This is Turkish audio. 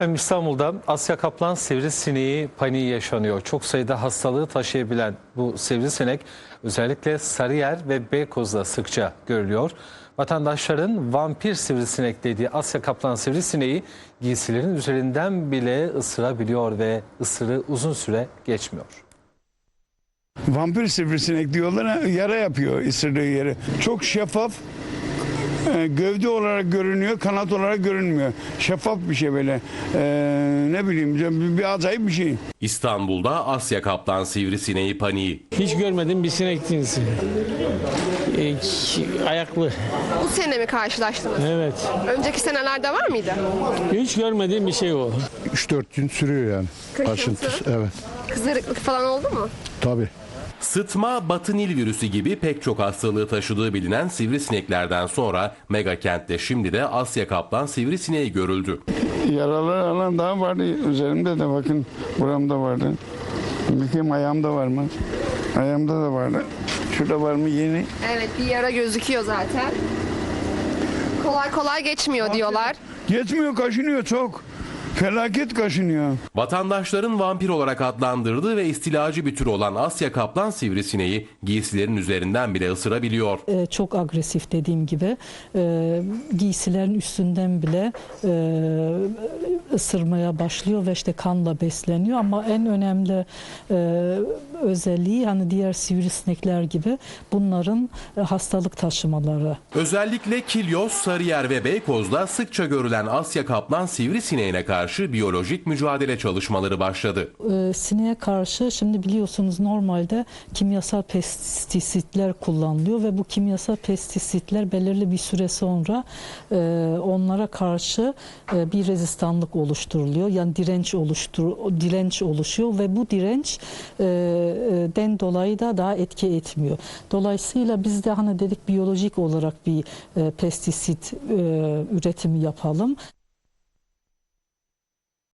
İstanbul'da Asya kaplan sivrisineği paniği yaşanıyor. Çok sayıda hastalığı taşıyabilen bu sivrisinek özellikle Sarıyer ve Beykoz'da sıkça görülüyor. Vatandaşların vampir sivrisinek dediği Asya kaplan sivrisineği giysilerin üzerinden bile ısırabiliyor ve ısırığı uzun süre geçmiyor. Vampir sivrisinek diyorlar, yara yapıyor ısırdığı yeri. Çok şeffaf, gövde olarak görünüyor, kanat olarak görünmüyor. Şeffaf bir şey böyle, ne bileyim bir acayip bir şey. İstanbul'da Asya kaplan sivrisineği paniği. Hiç görmedim bir sinek cinsi. Ayaklı. Bu sene mi karşılaştınız? Evet. Önceki senelerde var mıydı? Hiç görmediğim bir şey o. 3-4 gün sürüyor yani. Kaşıntı? Evet. Kızarıklık falan oldu mu? Tabii. Sıtma, batı Nil virüsü gibi pek çok hastalığı taşıdığı bilinen sivrisineklerden sonra mega kentte şimdi de Asya kaplan sivrisineği görüldü. Yaralar alan daha vardı üzerimde de, bakın buramda vardı. Bakayım ayağımda var mı? Ayağımda da vardı. Şurada var mı yeni? Evet, bir yara gözüküyor zaten. Kolay kolay geçmiyor diyorlar. Yetmiyor, kaşınıyor çok. Felaket kaşınıyor. Vatandaşların vampir olarak adlandırdığı ve istilacı bir tür olan Asya kaplan sivrisineği giysilerin üzerinden bile ısırabiliyor. Çok agresif, dediğim gibi giysilerin üstünden bile ısırmaya başlıyor ve işte kanla besleniyor. Ama en önemli özelliği, hani diğer sivrisinekler gibi, bunların hastalık taşımaları. Özellikle Kilyos, Sarıyer ve Beykoz'da sıkça görülen Asya kaplan sivrisineğine karşı biyolojik mücadele çalışmaları başladı. Sineğe karşı şimdi biliyorsunuz normalde kimyasal pestisitler kullanılıyor ve bu kimyasal pestisitler belirli bir süre sonra onlara karşı bir rezistanlık oluşturuluyor. Yani direnç oluşuyor ve bu dirençten dolayı da daha etki etmiyor. Dolayısıyla biz de hani dedik biyolojik olarak bir pestisit üretimi yapalım.